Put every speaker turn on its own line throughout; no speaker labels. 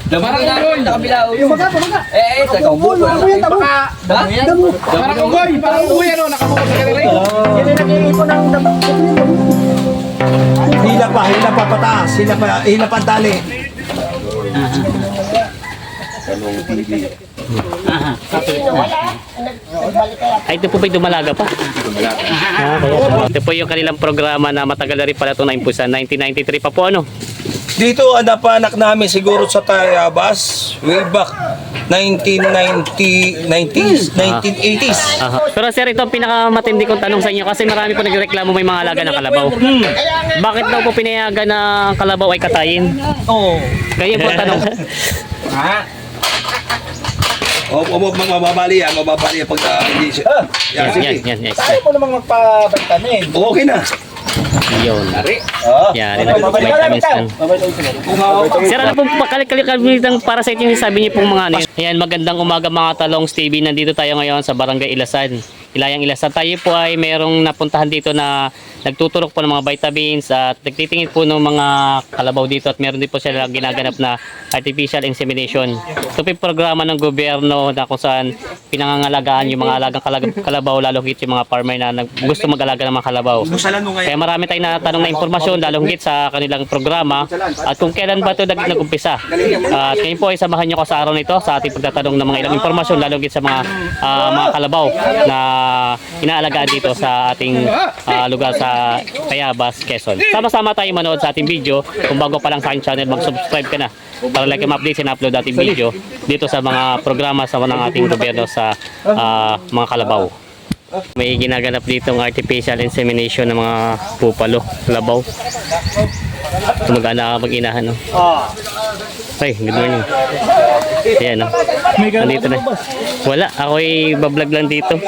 Parang unggoy. Sa kabila.
Baga.
Sa kaubo.
Parang unggoy ano, nakabukod sa kanila.
Yan ay nag-iipon ng damo.
Hila pa pataas, hila pa tali.
Ay, ito po ba'y dumalaga pa? Ito po yung kanilang programa na matagal na rin pala itong naimpusan. 1993 pa po ano?
Dito ang napanak namin siguro sa Tayabas way back 1980s.
Aha. Pero sir, ito ang pinakamatindi kong tanong sa inyo kasi marami po nagreklamo may mga alaga ng kalabaw. Bakit daw po pinayagan na ang kalabaw ay katayin?
Oo.
Ganyan po ang tanong.
Mababali yan pag hindi siya. Yan, sige.
Yan.
Ayaw mo namang magpabagtanin.
Okay na.
Yun. Yan, rin ang vitamins lang. Sir, ano pong kalimitan para sa inyo sabi niyo pong mga ano yun? Ayan, magandang umaga mga Talongs TV. Nandito tayo ngayon sa Barangay Ilasan. Ilayang Ilasan. Tayo po ay merong napuntahan dito na nagtuturok po ng mga vitamins at nagtitingin po ng mga kalabaw dito at meron din po sila ginaganap na artificial insemination. Ito po yung programa ng gobyerno na kung saan pinangangalagaan yung mga alagang kalabaw, lalo higit yung mga farmer na gusto mag-alaga ng mga kalabaw. Kaya marami tayong natanong na impormasyon, lalo higit sa kanilang programa at kung kailan ba ito nag-umpisa. At ngayon po ay samahan nyo ko sa araw nito sa ating pagtatanong ng mga ilang impormasyon, lalo higit sa mga kalabaw na inaalagaan dito sa ating lugar sa Tayabas, Quezon. Sama-sama tayo manood sa ating video. Kung bago pa lang sa aking channel, mag-subscribe ka na para like ma-update and upload ating video dito sa mga programa sa ng ating gobyerno sa mga kalabaw. May ginaganap dito ng artificial insemination ng mga pupalo, kalabaw. Tumagana mag-inahan. No? Ay, good morning. Ayan, no? Nandito na. Wala, ako'y bablog lang dito.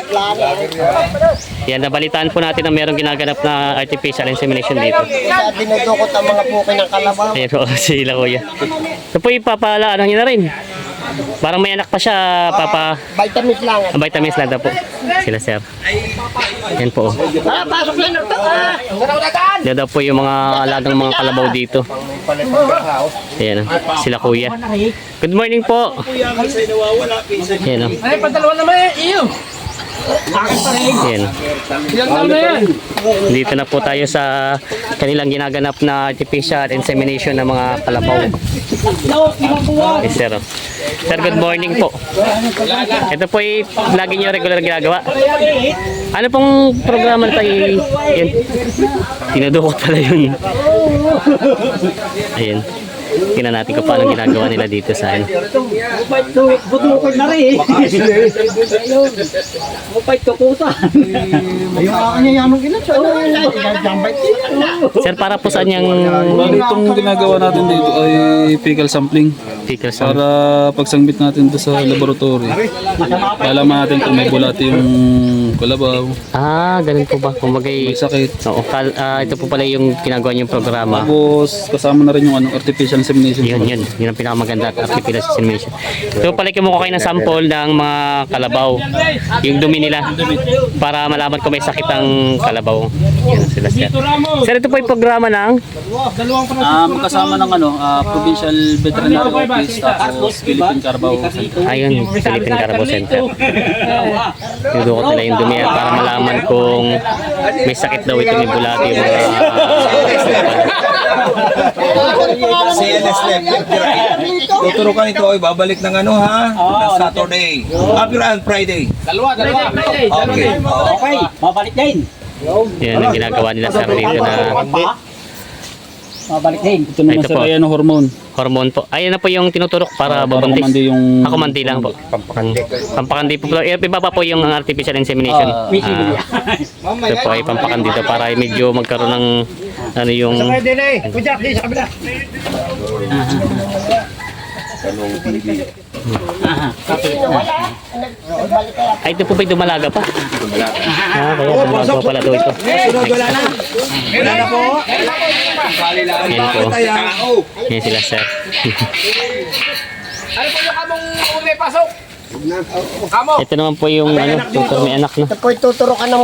Yan, nabalitaan po natin na mayroong ginaganap na artificial insemination dito.
Dinudukot ang mga puki ng kalabaw.
Ayan po, sila kuya. Ito po ipapala, ano na rin. Parang may anak pa siya, papa.
Vitamins lang.
Vitamins lang daw po. Sila sir. Yan po.
Pasok lang ito.
Yan daw po yung mga alagang mga kalabaw dito. Ayan, sila kuya. Good morning po. Ayan,
Ay, padalawa naman iyo.
ayan.
Ilang taon na yan?
Dito na po tayo sa kanilang ginaganap na artificial insemination ng mga kalabaw. Yes, sir. Sir, good morning po. Ito po ay lagi nyo regular ginagawa. Ano pong programa na tayo? Yan. Tinudukot pala yun. Ayan. Tingnan natin kung paano ginagawa nila dito sa ano.
Budukot na rin. Mupait tukutan. Ayun akin niya yanong ilan.
Sir, para po saan yung
Itong ginagawa natin dito ay fecal sampling
fecal sample?
para pagsangbit natin dito sa laboratory. Alaman natin kung may bulati yung kalabaw,
Ganun po ba? Kung
may sakit.
Oo, ito po pala yung ginagawa niyong programa.
Tapos kasama na rin yung artificial insemination.
Yun ang pinakamaganda at artificial insemination. Ito pala kumuha kayo ng sample ng mga kalabaw, yung dumi nila, para malaman kung may sakit ang kalabaw. Yan sila sir. Sir, ito po yung programa ng
Magkasama ng Provincial Veterinary Office tapos Philippine Carabao Center.
ayun, Philippine Carabao Center. Nudukot nila yung dumi para malaman kung may sakit daw ito, may bulati yung mga
CNS left right. Tuturukan ito ay babalik ng ng Saturday. Friday.
Dalawa.
Okay.
Okay, mabalik din.
yan ang ginagawa nila sir dito na
Mabalik din.
Ito naman
Ito
sir
po.
ay hormone.
hormone po. Ayun na po yung tinuturok para
Para
babuntis.
kumandi yung
Kumandi lang po. Pampakandi po. Iba pa po yung artificial insemination. Ito po ay pampakandi dito para medyo magkaroon ng ano yung
Din eh. Kujak din sa kabila.
ay ito po ba'y dumalaga pa? Kaya dumalaga pala ito.
Wala na. Wala na po.
Yan po. Yan sila sir.
Ano po yung kamong may pasok? Kamo.
Ito naman po yung tutor may anak na.
Ito po ituturokan ng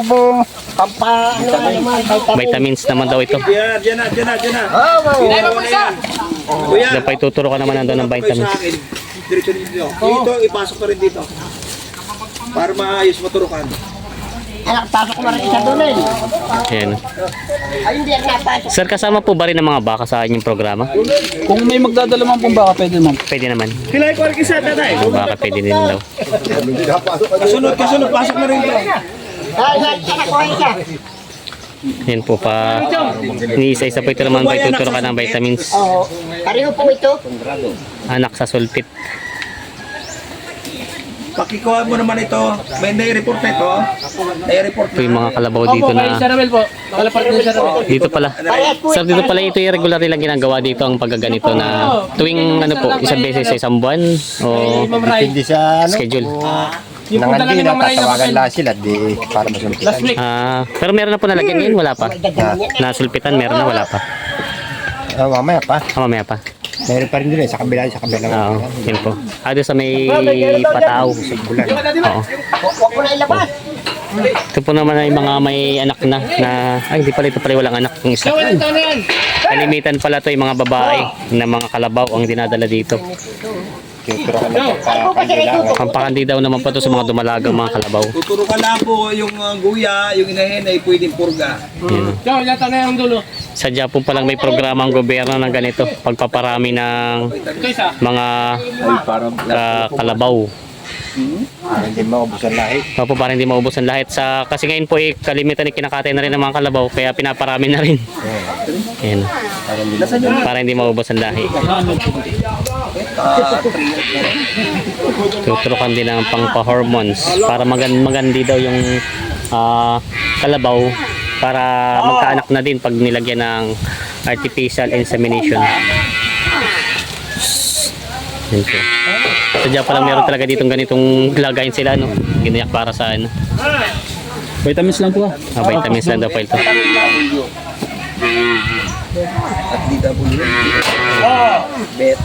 vitamins.
Vitamins naman daw ito.
Diyan na.
Dahil mo isa.
Kuya,
Dapat ituturo ka naman nandun ng
kayo
vitamins.
sa akin. Diretso dito. Dito, ipasok ka rin dito. Para maayos maturukan.
Anak, pasok ko na rin isa doon eh.
Ayan.
Ay, hindi ako napasok.
Sir, kasama po ba rin ng mga baka sa inyong programa?
Kung may magdadala man pong baka, pwede naman.
Pwede naman. Ang baka pwede din daw.
Kasunod, pasok na rin dito.
Ay, anak ko isa.
Yan po pa. Iniisa-isa po ito naman pa ituturo ka ng vitamins.
Oo. Pareho po ito.
Anak sa sulpit.
Pakikuha mo naman ito. May nai-report na ito. Nai-report
Ito yung mga kalabaw dito na dito pala. Sir, dito pala ito yung regular nilang ginagawa dito ang paggaganito na tuwing ano po, isang beses sa isang buwan o
Hindi sa ano,
schedule.
nangandi na tatawagan lang sila di para masulpitan.
Pero meron na po nalagyan ngayon, wala pa. Nasulpitan, meron na, wala pa.
Mamaya pa.
Mamaya pa.
Meron pa rin din sa kabila.
Oo, yun po. Doon sa may pataaw. Oo.
Huwag ko na ilabas.
Ito po naman ay mga may anak na ay hindi pala ito pala walang anak yung isa. Kalimitan pala to yung mga babae na mga kalabaw ang dinadala dito.
Tuturo ka lang pagkakailangan.
Pampakandi daw naman pa to sa mga dumalagang mga kalabaw.
Tuturo ka lang po yung guya, yung inahin ay pwedeng purga.
Yun. Sadya po palang may programa ang gobyerno ng ganito, pagpaparami ng mga kalabaw.
Hindi maubusan lahi.
Opo, para hindi maubos ang lahat. Kasi ngayon po kalimitan ay kinakatay na rin ng mga kalabaw, kaya pinaparami na rin. Yan. Para hindi maubos ang lahi. Tuturukan din ng pangpa-hormones para magandi daw yung kalabaw para magkaanak na din pag nilagyan ng artificial insemination. Yan po. Sadya palang meron talaga ditong ganitong lagayin sila, no? Ginayak para sa ano.
Vitamins lang po
Vitamins lang daw po ito.
At DW. Bet.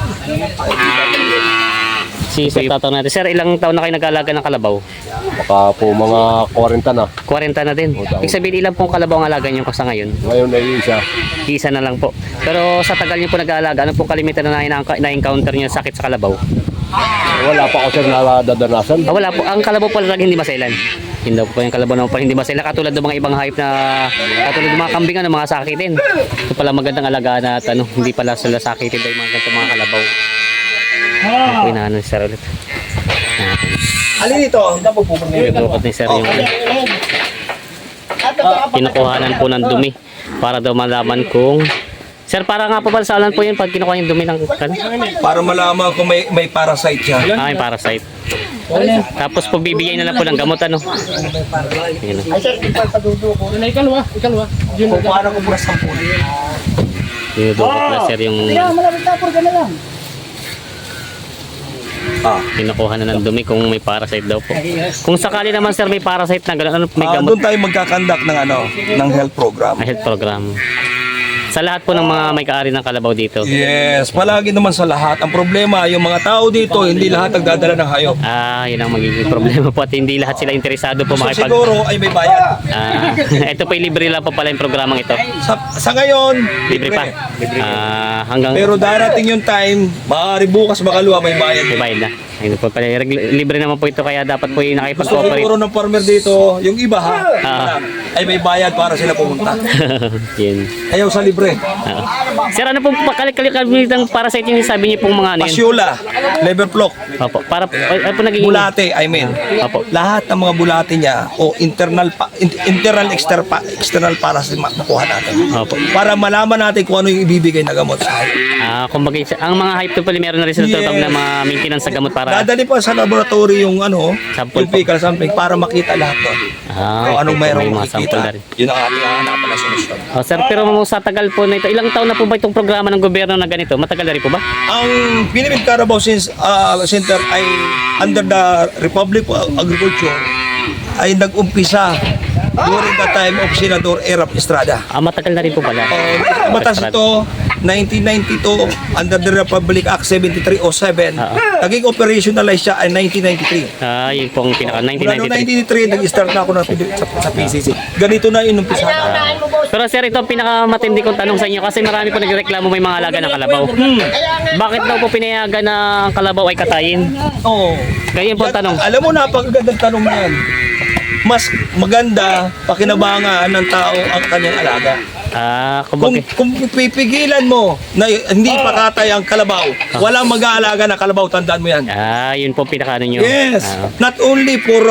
Si Sir, tatanong natin. Sir, ilang taon na kayo nag-aalaga ng kalabaw?
Baka po mga 40 na.
40 na din. Ibig sabihin, ilang pong kalabaw ang alaga niyo sa ngayon?
Ngayon ay isa.
Isa na lang po. Pero sa tagal niyo po nag-aalaga, ano pong kalimitan na na-encounter niyo sakit sa kalabaw?
Wala pa ako sir na dadanasan.
Wala po. Ang kalabaw pala hindi masailan. Hindi daw po yung kalabaw naman pala hindi masailan. Katulad ng mga ibang hayop na, katulad ng mga kambingan ng mga sakitin. Ito pala magandang alagaan na at hindi pala sila sakitin daw yung mga ganito mga kalabaw. Ako inaano ni Sir ulit.
Alin ito?
Nagdukot ni Sir yung kinukuhanan po ng dumi para daw malaman kung Sir, para nga po pala sa alan po yun pag kinukuha yung dumi ng
Para malaman kung may parasite siya.
may parasite. Tapos po bibigyan na lang po ng gamot ano. Yun.
Ay, sir, ipapadudo ko.
Kung paano ko buras ang puno.
Dinudukot na Sir yung
Malapit na, purga na lang.
kinukuha na ng dumi kung may parasite daw po. Kung sakali naman Sir may parasite na gano'n, ano, may gamot
Doon tayo magkakandak ng health program.
na health program. Sa lahat po ng mga may kaari ng kalabaw dito.
Yes, palagi naman sa lahat. Ang problema, yung mga tao dito, hindi lahat nagdadala ng hayop.
Yun ang magiging problema po at hindi lahat sila interesado po
So
makipag...
siguro ay may bayad.
Ito po libre lang po pala yung programang ito.
Sa ngayon,
Libre pa. Hanggang
Pero darating yung time, maaari bukas makaluwa may bayad.
may bayad na. Ayun po pala, libre naman po ito kaya dapat po yung
Gusto
nakipag-cooperate.
siguro ng farmer dito, yung iba ha, ay may bayad para sila pumunta.
Yun.
Ayaw sa libre.
Sir, ano pong pakalik-kalitang parasite yung sabi niyo pong mga ano yun?
Pasyula, liver flock,
Opo, para ano po naging...
bulate, I mean.
Opo.
Lahat ng mga bulate niya o internal external para sa makuha natin.
Opo.
Para malaman natin kung ano yung ibibigay na gamot sa hayop.
Kumbaga, ang mga hype to pala meron na rin sila tutupag na mga maintenance sa gamot para...
Dadali pa sa laboratory yung
Sample
yung fecal sampling para makita lahat doon. Kung anong
may
mayroong
mga sample na
makikita.
rin.
Yun ang ating hahanapan na solusyon.
Sir, pero sa tagal po na ito, ilang taon na po ba itong programa ng gobyerno na ganito? Matagal na rin po ba?
Ang Philippine Carabao Center ay under the Republic of Agriculture ay nag-umpisa during the time of Senador Erap Estrada.
Matagal na rin po pala.
Batas ito 1992 under the Republic Act 7307. Naging operationalize siya ay 1993.
Yun pong pinaka
Mula noong
1993.
1993, nag-start na ako sa PCC. Ganito na inumpisa.
Pero sir, ito ang pinakamatindi kong tanong sa inyo kasi marami po nagreklamo may mga alaga ng kalabaw. Bakit daw po pinayagan na ang kalabaw ay katayin?
Oo.
Ganyan po ang tanong.
Alam mo, napakagandang tanong yan. Mas maganda pakinabangan ng tao ang kanyang alaga. Kung pipigilan mo na hindi pakatay ang kalabaw, walang mag-aalaga ng kalabaw, tandaan mo yan.
Yun po pinaka nyo.
Yes, not only for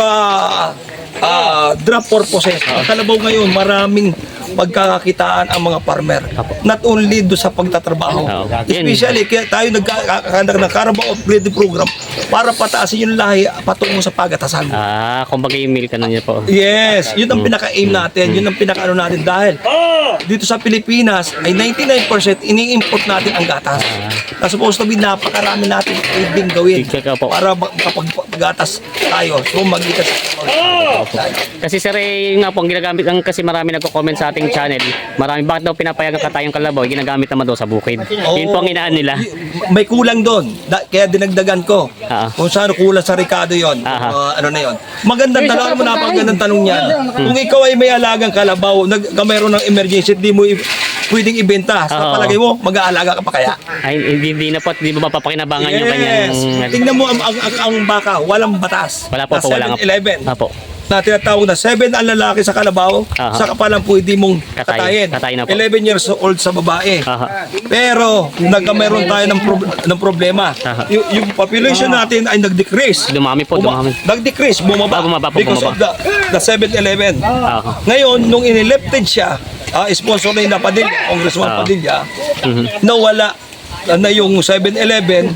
drop purposes. Ang kalabaw ngayon, maraming pagkakakitaan ang mga farmer. Not only do sa pagtatrabaho. Especially, kaya tayo nagkakandak ng Carabao Upgrading Program para pataasin yung lahi patungo sa pagatasan.
Kumbaga yung milk na niya po.
Yes, yun ang pinaka-aim natin, yun ang pinaka-ano natin dahil dito sa Pilipinas ay 99% ini-import natin ang gatas. Na supposed to be napakarami natin pwedeng gawin para kapag gatas tayo, so magitas.
Kasi sir, nga po ang ginagamit kasi marami nagko-comment sa ating channel. Marami bakit daw pinapayagan katayong kalabaw, ginagamit naman daw sa bukid. Yun po ang inaan nila.
May kulang doon, kaya dinagdagan ko. Kung saan kulang sa Ricardo yon, ano na yon. Magandang tanong mo, napakagandang tanong niyan. Kung ikaw ay may alagang kalabaw, mayroon ng emergency, di mo pwedeng ibenta. Sa palagay mo, mag-aalaga ka pa kaya?
Ay, hindi na po, hindi mo mapapakinabangan yung kanyang...
Tingnan mo ang baka, walang batas.
Wala po, wala nga.
7-11.
Apo.
Na tinatawag na 7 ang lalaki sa kalabaw, saka pa lang pwede mong katayin. 11 years old sa babae. Pero mayroon tayo ng problema. Yung population natin ay nag-decrease.
Dumami po, dumami.
Nag-decrease, bumaba because of the 7-11. Ngayon, nung inelected siya, sponsor na yung Padilla, Congressman Padilla, nawala na yung 7-11,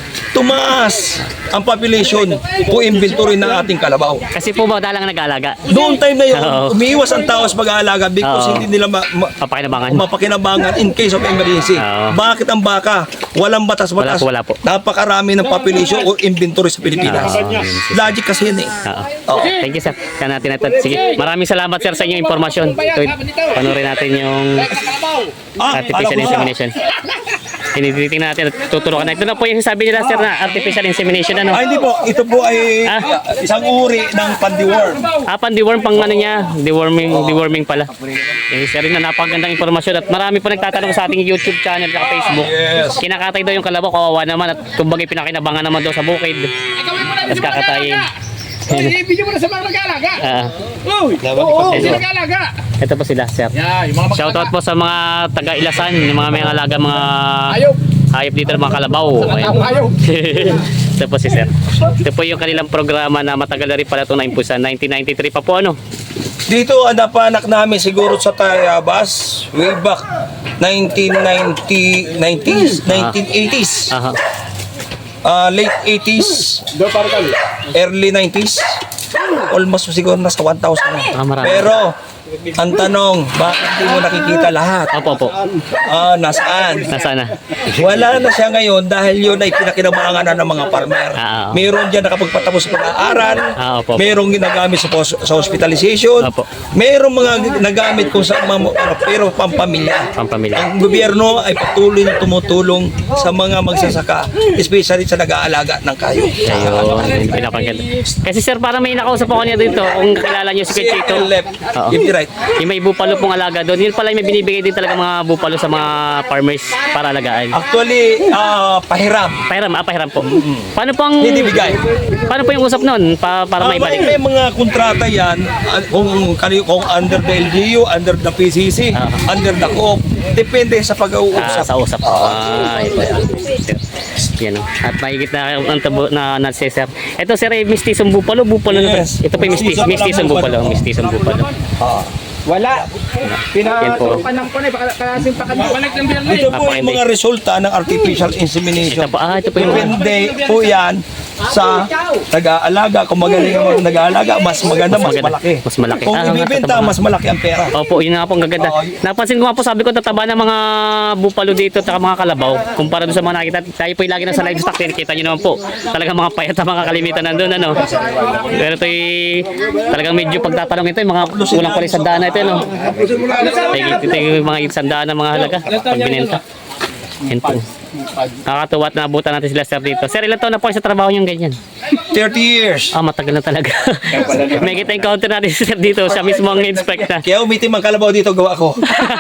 tumaas ang population o inventory ng ating kalabaw.
Kasi po ba dalang nag-aalaga?
Doon time na yun, umiiwas ang tao sa pag-aalaga because hindi nila mapakinabangan in case of emergency. Bakit ang baka? Walang batas-batas.
Wala po.
Napakarami ng population o inventory sa Pilipinas. Logic kasi yun eh.
Thank you sir. Kaya natin ito. Sige, maraming salamat sir sa inyong impormasyon. Panoorin natin yung artificial insemination. Tinitingnan natin at tuturukan na. Ito na po yung sabi nila sir na artificial insemination ano?
Hindi po. Ito po ay isang uri ng pandiworm.
Pandiworm pang ano niya, deworming pala. Sir rin na napakagandang impormasyon at marami po nagtatanong sa ating YouTube channel at Facebook.
Yes.
Kinakatay daw yung kalabaw, kawawa naman at kumbaga pinakinabangan naman daw sa bukid. At kakatayin.
Video mo na sa mga nag-aalaga. Nag-aalaga.
Ito po sila, sir. Shoutout po sa mga taga-Ilasan, yung mga may alaga, mga hayop dito ng mga kalabaw. Ito po si sir. Ito po yung kanilang programa na matagal na rin pala ito na-impusan. 1993 pa po ano?
Dito ang napanak namin siguro sa Tayabas way back 1980s. Late 80s, early 90s, almost siguro nasa 1,000 na. Pero ang tanong, bakit hindi mo nakikita lahat?
Opo.
Nasaan?
Nasaan na?
Wala na siya ngayon dahil yun ay pinakinabangan na ng mga farmer. Meron dyan nakapagpatapos sa pag-aaral, merong ginagamit sa hospitalization, merong mga nagamit kung sa mga pero pampamilya. Ang gobyerno ay patuloy na tumutulong sa mga magsasaka, especially sa nag-aalaga ng kayo.
Ayun, pinapaganda. Kasi sir, parang may nakausap ako niya dito, kung kilala niyo si Kachito.
Right.
Yung may bupalo pong alaga doon, yun pala yung may binibigay din talaga mga bupalo sa mga farmers para alagaan.
Actually, pahiram.
Pahiram po. Paano pong
Hindi bigay.
Paano po yung usap noon para may balik?
May mga kontrata yan kung under the LGU, under the PCC, under the COOP. Depende sa pag-uusap.
Sa usap. Yan. At mahigit na sir. Ito sir, mistisong bupalo na. Ito po yung mistisong bupalo.
Wala.
Pinagpapanang
po na kasi balik ng biyernes.
Ito po yung mga resulta ng artificial insemination.
Ito po yung
depende po yan sa nag-aalaga. Kung magaling ang nag-aalaga, mas maganda, mas malaki.
Mas malaki.
Kung ibibenta, mas malaki ang pera.
Opo, yun nga po ang gaganda. Napansin ko nga po, sabi ko, tataba ng mga bupalo dito at mga kalabaw. Kumpara doon sa mga nakita, tayo po yung lagi na sa livestock, kita nyo naman po. Talagang mga payat ang mga kalimitan nandun, ano. Pero ito'y talagang medyo pagtatanong ito, yung mga kulang pala sa daan na ito, no. Ito yung mga isandaan ng mga halaga pag binenta. Yan po. Nakakatuwa at naabutan natin sila sir dito. Sir, ilan taon na po kayo sa trabaho niyong ganyan?
30 years.
Matagal na talaga. May kita encounter natin si sir dito. Siya mismo ang inspect na.
Kaya umitim ang kalabaw dito, gawa ko.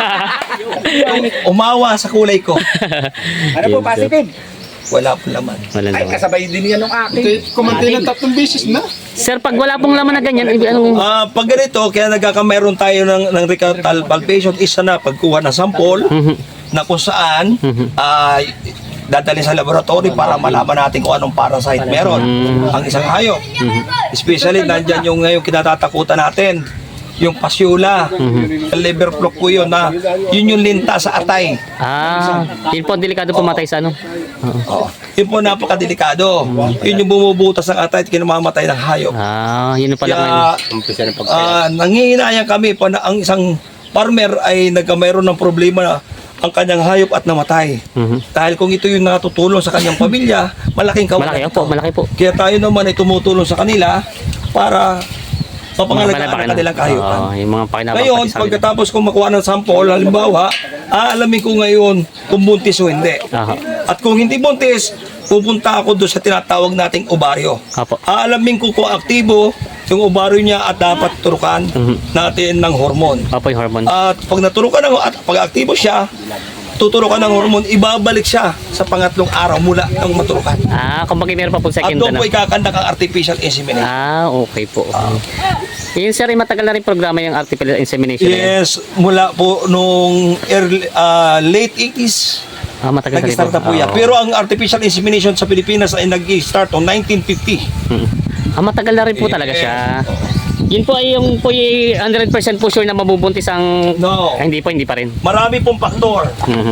Umawa sa kulay ko.
Ano po, positive?
Wala po laman.
Walang
Ay,
laman.
kasabay din yan ng akin.
Kumantay ng 3 beses na.
Sir, pag wala pong laman na ganyan, anong...
Pag ganito, kaya nagkakameron tayo ng rectal palpation, isa na pagkuha ng sample na kung saan dadalhin sa laboratory para malaman natin kung anong parasite meron ang isang hayop. Especially nandyan yung ngayon kinatatakutan natin, yung pasyula, liver flock po yun na yun yung linta sa atay.
Yun po, delikado pumatay sa ano.
Oo. Yun po napakadelikado. Yun yung bumubutas ng atay at kinamamatay ng hayop.
Yun pala ngayon.
Kaya nangihinayang kami pa na ang isang farmer ay nagkameron ng problema na ang kanyang hayop at namatay. Dahil kung ito yung natutulong sa kanyang pamilya, malaking kawalan.
Malaki po.
Kaya tayo naman ay tumutulong sa kanila para mapangalagaan ang kanilang kahayupan.
Yung mga pakinabang
Ngayon,
pati sa kanila.
pagkatapos kong makuha ng sample, halimbawa, aalamin ko ngayon kung buntis o hindi. At kung hindi buntis, pupunta ako doon sa tinatawag nating ovaryo. Aalamin ko kung aktibo yung ovaryo niya at dapat turukan natin ng hormone.
Yung hormone.
At pag naturukan at pag aktibo siya, tuturukan ng hormone, ibabalik siya sa pangatlong araw mula nang maturukan.
Kumbaga meron pa po
At
second
doon
na.
po ikakandak ang artificial insemination.
Okay po. Yun sir, matagal na rin programa yung artificial insemination.
Yes, mula po nung late 80s.
Matagal na rin
Nag-start na po yan. Pero ang artificial insemination sa Pilipinas ay nag-start noong 1950.
Matagal na rin po talaga siya. Yun po ay yung 100% po sure na mabubuntis ang...
No.
Hindi pa rin.
Marami pong faktor.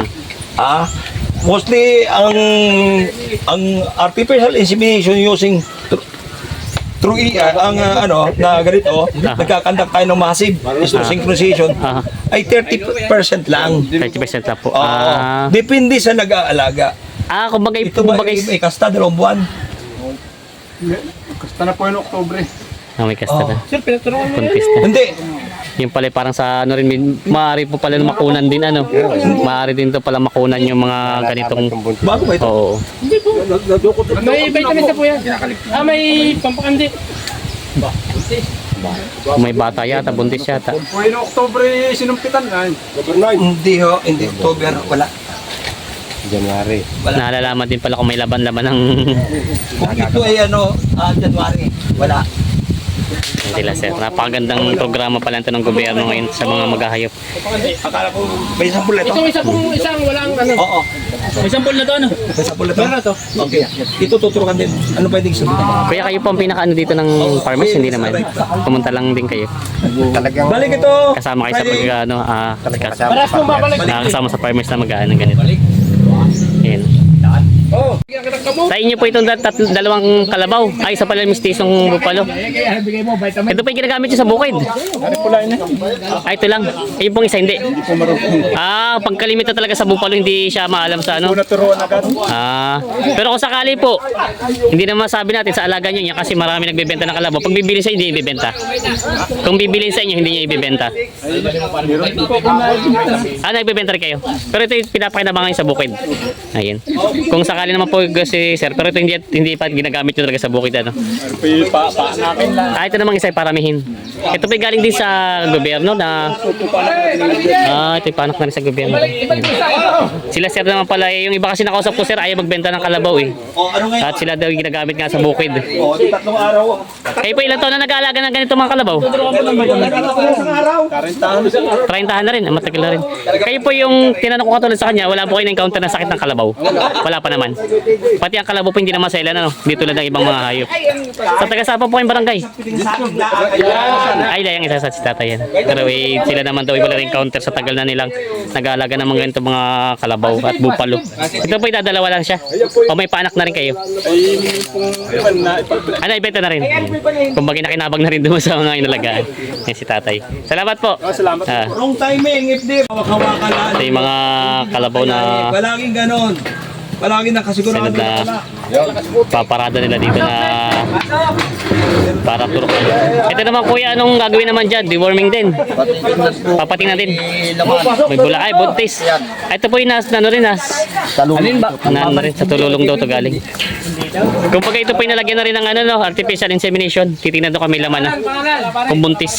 Mostly ang artificial insemination using through ang na ganito, nagkakandak tayo ng massive synchronization ay 30% lang.
30% lang po.
Depende sa nag-aalaga.
Kumbaga
Ito ba may kasta 2 buwan?
Kasta na po yung Oktubre.
may kasta na.
Sir, pinaturuan mo
Contest na.
Hindi.
Yung pala parang sa ano rin, maaari po pala makunan din ano. Maaari din to pala makunan yung mga ganitong...
Bago ba ito?
Oo.
May vitamins na po yan. May pampakandi.
May bata yata, buntis yata.
Po yung Oktubre sinumpitan na.
Hindi ho, hindi. October, wala.
January.
Nalalaman din pala kung may laban-laban ng...
Kung ito ay January, wala.
Sila sir. Napakagandang programa pala ito ng gobyerno ngayon sa mga maghahayop.
Akala ko may sampul na ito.
Isang walang ano.
Oo.
May sampol na to ano?
May sampul na ito. Okay. Ito tuturukan din. Ano pwedeng sabihin?
Kuya, kayo po ang pinaka-ano dito ng farmers? Hindi naman. Pumunta lang din kayo.
Talagang
Balik ito!
Kasama kayo sa pag-ano,
Paras mong babalik.
kasama sa farmers na mag-ano ganito. Ayan.
Oh,
Sa inyo po itong dalawang kalabaw. Ay, isa pala mistisong bupalo.
bigay mo vitamin.
Ito po yung ginagamit nyo sa bukid. Ito lang. Ayun pong isa, hindi. Pagkalimita talaga sa bupalo, hindi siya maalam sa ano. Pero kung sakali po, hindi naman masabi natin sa alaga nyo niya kasi marami nagbebenta ng kalabaw. Pag bibili sa inyo, hindi ibibenta. Kung bibilin sa inyo, hindi niya ibibenta. Nagbebenta rin kayo. Pero ito yung pinapakinabangan sa bukid. Ayun. Kung sakali naman po si sir, pero ito hindi pa ginagamit nyo talaga sa bukid. Ano? Ito namang isa ay paramihin. Ito pa galing din sa gobyerno na ito yung panak na rin sa gobyerno. Sila sir naman pala, yung iba kasi nakausap ko sir, ayaw magbenta ng kalabaw eh. At sila daw yung ginagamit nga sa bukid.
3 araw.
Kayo po ilang taon na nag-aalaga ng ganito mga kalabaw? 30 na rin, matagal na rin. Kayo po yung tinanong ko katulad sa kanya, wala po kayo na-encounter na sakit ng kalabaw? Wala pa naman. Pati ang kalabaw po hindi naman sailan, ano? Di tulad ng ibang mga hayop. Sa taga-sapa po kayong barangay? Ay, layang isa sa si tatay yan. Pero sila naman daw wala encounter sa tagal na nilang nag-aalaga ng mga ganito mga kalabaw at bupalo. Ito po idadalawa lang siya. O may paanak na rin kayo? Ibenta na rin. Kumbaga nakinabang na rin doon sa mga inalagaan. Yan si tatay. Salamat po.
Wrong timing, if di, hawak-hawakan na.
Ito yung mga kalabaw na
Palaging ganon. Palaging nakasigurado
sunod na
na.
paparada nila dito na para turukan. Ito naman kuya, anong gagawin naman dyan? Deworming din. Papatingnan din. May bula ay buntis. Ito po yung ano rin
Alin ba?
rin sa tululong daw to galing. Kung pag ito po yung nalagyan na rin ng ano, no, artificial insemination, titingnan doon kami laman na kung buntis.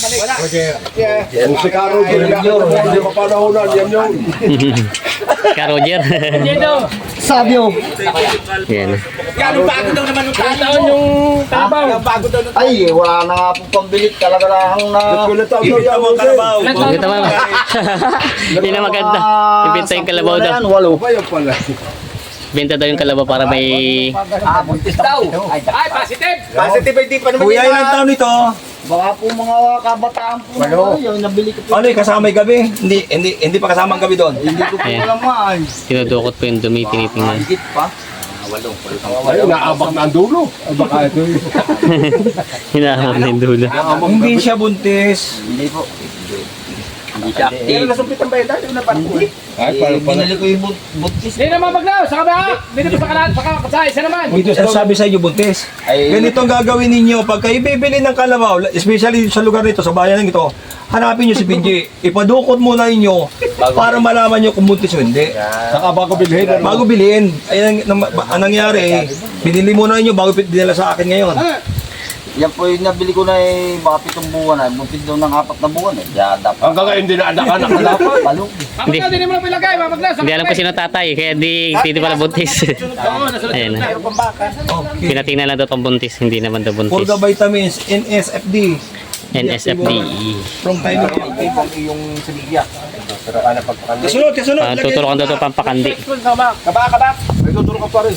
Ka Roger.
Sabyo.
Yan.
Taon yung kalabaw.
Ay, wala na nga po pambilit. Talaga lang na...
Ibigay mo ang kalabaw.
Ito ba? Yun ang maganda. Ibenta yung kalabaw daw.
Walo.
Ibenta daw yung kalabaw para may...
Buntis daw. Ay, positive.
Positive hindi pa naman
Kuya, ilang taon ito?
Baka po mga kabataan po. Yung nabili ko po.
Ano yung kasama yung gabi? Hindi pa kasama ang gabi doon.
Hindi ko po
Ayan.
malaman.
Tinudukot po yung dumi, tinitingnan.
Higit pa.
Ayun, naabak na ang dulo. Baka ito yun.
Hinahamon na yung dulo.
Hindi siya buntis.
Hindi po.
Pero nasumpitan ba yun dahil na parang
Binili ko yung buntis.
Hindi naman maglaw. Sa kabila. Dito sa kanan. Sa isa naman.
Buntis ang sabi sa inyo buntis. Ganito ang gagawin ninyo pagka ibibili ng kalabaw, especially sa lugar nito, sa bayan ng ito, hanapin nyo si Pinji. Ipadukot muna ninyo para malaman nyo kung buntis o hindi.
Saka bago bilhin.
Bago bilhin, ay ang nangyari, binili muna ninyo bago dinala sa akin ngayon.
Yan po yung nabili ko na baka 7 buwan na. Buntis daw ng 4 na buwan eh. Kaya dapat.
Hanggang ngayon din na anak-anak na dapat.
Palong.
Hindi.
Hindi mo na pilagay. Maglaw.
Hindi alam ko sino tatay, kaya di pala buntis. Ayan na. Pinatingnan lang daw itong buntis, hindi naman daw
For
buntis.
the vitamins, NSFD.
NSFD.
From time to time.
yung semilya. Pero ano pagpakanli.
Kasunod.
Tuturukan daw ito pampakandi.
Kabak. May tuturo ka pa rin.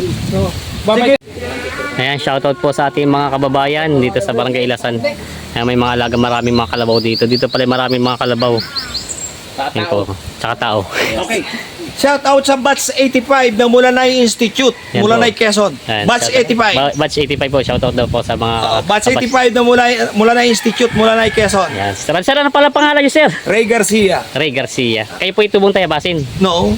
Ayan, shoutout po sa ating mga kababayan dito sa Barangay Ilasan. Ayan, may mga alaga, maraming mga kalabaw dito. Dito pala maraming mga kalabaw. Ayan po, tsaka tao.
Okay. Shout out sa Batch 85 ng Mulanay Institute,
Yan
Mulanay
po.
Quezon.
Ayan,
Batch
shoutout.
85.
Batch 85 po, shoutout daw po sa mga...
Batch 85 ng Mulanay Institute, Mulanay Quezon.
Ayan, sir, ano pala pangalan niyo, sir?
Ray Garcia.
Ray Garcia. Kayo po itubong tayabasin.
No.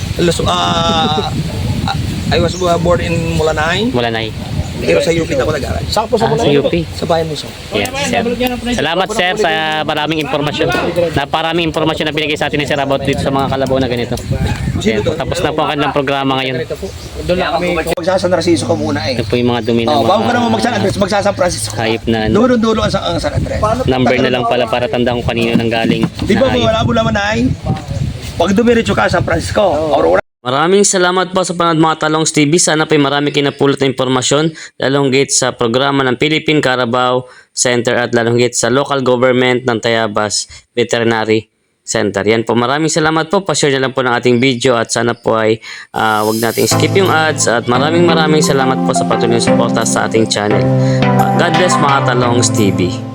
I was born in Mulanay.
Mulanay.
Pero sa UP na ako nag-aral.
Sa UP.
Sa bayan mo, so.
Yes, sir. Salamat sir sa maraming impormasyon. Naparaming impormasyon na binigay sa atin ni Sir about dito sa mga kalabaw na ganito. Ayan, tapos na po ang kanilang programa ngayon.
Doon lang kami. Magsasan Narciso ko muna eh.
Ito po yung mga dumi ng
Bago ka naman
mga
magsan Andres, magsasan Francisco.
hayop na ano.
Dulo-dulo ang San Andres.
Number na lang pala para tandaan kung kanino nang galing.
Di ba
na hayop.
wala mo naman ay? Pag dumiretso ka sa San Francisco, Aurora.
Maraming salamat po sa panood mga Talongs TV. Sana po'y marami kinapulot na impormasyon lalong higit sa programa ng Philippine Carabao Center at lalong higit sa local government ng Tayabas Veterinary Center. Yan po, maraming salamat po. Pa-share na lang po ng ating video at sana po ay wag nating skip yung ads at maraming salamat po sa patuloy na suporta sa ating channel. God bless mga Talongs TV.